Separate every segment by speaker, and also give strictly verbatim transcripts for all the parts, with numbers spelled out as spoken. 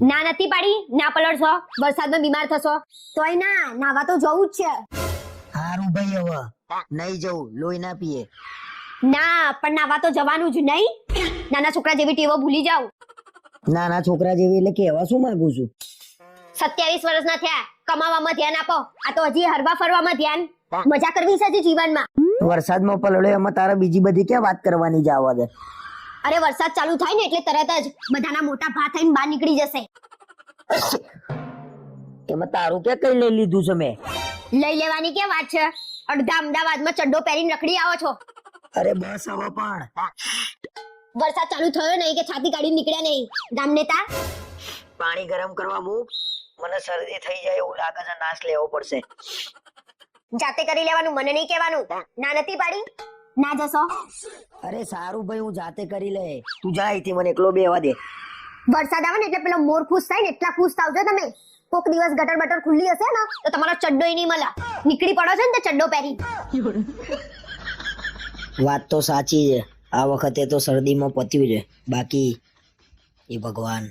Speaker 1: ના નથી પાડી, ના પલળશો, વરસાદમાં બીમાર થશો. તોય ના, નાવા તો જવું જ છે.
Speaker 2: હારું ભાઈ, હવે નહીં જવું, લોહી ના પીએ.
Speaker 1: ના, પણ નાવા તો જવાનું જ નહીં. નાના છોકરા જેવી ટેવો ભૂલી જાવ.
Speaker 2: નાના છોકરા જેવી એટલે કેવા શું માંગુ છું?
Speaker 1: સત્યાવીસ વર્ષના થયા, કમાવામાં ધ્યાન આપો. આ તો હજી હરવા ફરવામાં ધ્યાન. મજા કરવી છે જીવનમાં.
Speaker 2: વરસાદમાં પલળે એમાં તારે બીજી બધી ક્યાં વાત કરવાની જ આવવા દે.
Speaker 1: અરે વરસાદ ચાલુ થાય ને એટલે તરત જ બધાના મોટા ભા થઈને બહાર નીકળી જશે.
Speaker 2: એમાં તારું ક્યાં કઈ લઈ લીધું છે મેં?
Speaker 1: લઈ લેવાની કે વાત છે? અડધા અમદાવાદમાં ચડ્ડો પહેરીને રખડી આવો છો.
Speaker 2: અરે બસ હવે પણ
Speaker 1: વરસાદ ચાલુ થયો નહીં કે છાતી કાઢી નીકળ્યા નહીં ગામ નેતા.
Speaker 2: પાણી ગરમ કરવા મૂક, મને શરદી થઈ જાય એવું લાગે છે, નાશ લેવો પડશે.
Speaker 1: જાતે કરી લેવાનું, મને નહીં કહેવાનું. ના નથી પાડી, ના જશો.
Speaker 2: અરે સારું ભાઈ, હું જાતે કરી લે, તું જા અહીંથી, મને એકલો બેવા દે.
Speaker 1: વરસાદ આવે ને એટલે પેલો મોર ખુશ થાય ને એટલા ખુશ થાવજો તમે. કોક દિવસ ગટર બટર ખુલ્લી હશે ને તો તમારો ચડ્ડો નહીં મળે. નીકળી પડો છે ને તે ચડ્ડો પહેરી.
Speaker 2: વાત તો સાચી છે, આ વખતે તો શરદીમાં પત્યું છે, બાકી એ ભગવાન.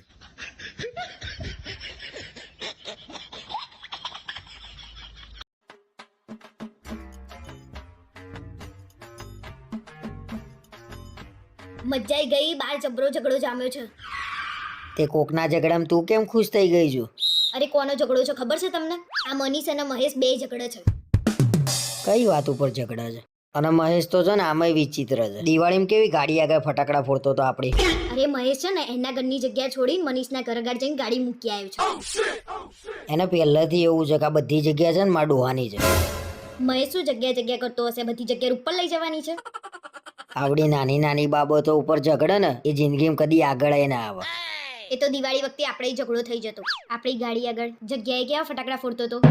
Speaker 1: મજાઈ ગઈ, બાર જબરો ઝઘડો જામ્યો છે.
Speaker 2: તે કોકના ઝઘડામાં તું કેમ ખુશ થઈ ગઈ છું?
Speaker 1: અરે કોનો ઝઘડો છે ખબર છે તમને? આ મનીષ અને મહેશ બે ઝઘડે છે.
Speaker 2: કઈ વાત ઉપર ઝઘડા છે? અને મહેશ તો છે ને આમાંય વિચિત્ર છે. દિવાળીમાં કેવી ગાડી આગળ ફટાકડા ફોડતો તો આપડી.
Speaker 1: અરે મહેશ છે ને એના ઘરની જગ્યા છોડીને મનીષના ઘર આગળ જઈને ગાડી મૂકી આવ્યો છે.
Speaker 2: એને પહેલાથી એવું છે કે આ બધી જગ્યા છે ને માર ડોહાની છે.
Speaker 1: મહેશ શું જગ્યા જગ્યા કરતો હશે? બધી જગ્યા ઉપર લઈ જવાની છે.
Speaker 2: આવડી નાની નાની બાબતો ઉપર ઝઘડે ને એ જિંદગીમાં કદી આગળ ના આવે.
Speaker 1: એ તો દિવાળી વખતે આપણે ઝઘડો થઈ જતો. આપણી ગાડી આગળ જગ્યાએ કેવા ફટાકડા ફોડતો હતો.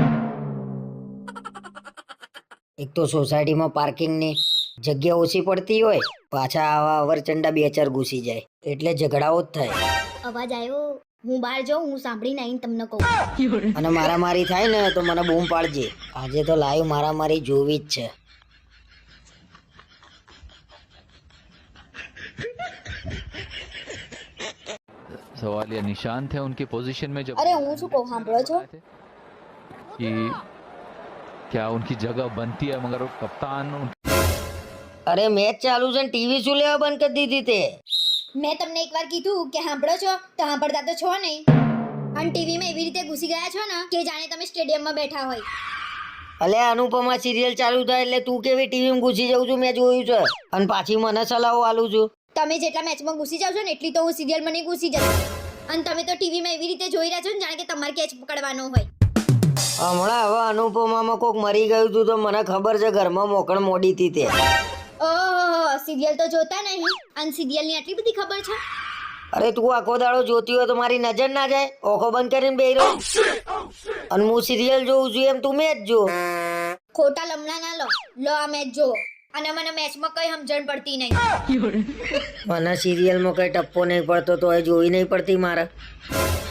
Speaker 2: એક તો સોસાયટીમાં પાર્કિંગની જગ્યા ઓછી પડતી હોય, પાછા આવા અવરચંડા બે ચાર ઘૂસી જાય એટલે ઝઘડાઓ જ થાય.
Speaker 1: અવાજ આવ્યો, હું બહાર જાઉં, હું સાંભળીને આવીને તમને કહું.
Speaker 2: અને મારામારી થાય ને તો મને બૂમ પાડજે. આજે તો લાઈવ મારામારી જોવી જ છે.
Speaker 3: सवाल ये निशान थे उनकी पोजीशन में जब
Speaker 1: अरे હું શું કહું સાંભળો છો
Speaker 3: कि क्या उनकी जगह बनती है मगर वो कप्तान उन...
Speaker 2: અરે મેચ ચાલુ છે ને ટીવી શું લેવા બંધ કરી દીધી તે?
Speaker 1: મેં તમને એકવાર કીધું કે સાંભળો છો તો સાંભળતા તો છો નહીં. અને ટીવીમાં એવી રીતે ઘૂસી ગયા છો ને કે જાણે તમે સ્ટેડિયમમાં બેઠા હોય.
Speaker 2: અલે અનુપમા સિરિયલ ચાલુ થાય એટલે તું કેવી ટીવીમાં ઘૂસી જાઉં છું મેં જોયું છે, અને પાછી મને સલાહો આલું છું.
Speaker 1: તમે જેટલા મેચમાં ઘૂસી જાવ છો ને એટલી તો હું સિરિયલમાં નહીં ઘૂસી જતી. અને તમે તો ટીવીમાં એવી રીતે જોઈ રહ્યા છો ને જાણે કે તમારે કેચ પકડવાનો હોય.
Speaker 2: હમણાં હવે અનુપમામાં કોક મરી ગયું હતું તો મને ખબર છે ઘરમાં મોકળ મોડી હતી તે.
Speaker 1: ઓહો, સિરિયલ તો જોતા નહીં અને સિરિયલની આટલી બધી ખબર છે?
Speaker 2: અરે તું આખો દાડો જોતી હોય તો મારી નજર ના જાય? ઓખો બંધ કરીને બેહી રહો. અને હું સિરિયલ જોઉં છું એમ તું મેચ જો.
Speaker 1: ખોટા લમણા ના લો. લો આ મેચ જો. અને મને મેચમાં કઈ સમજણ પડતી નહીં.
Speaker 2: મને સિરિયલમાં કઈ ટપ્પો નહીં પડતો તો એ જોઈ નહીં પડતી મારે.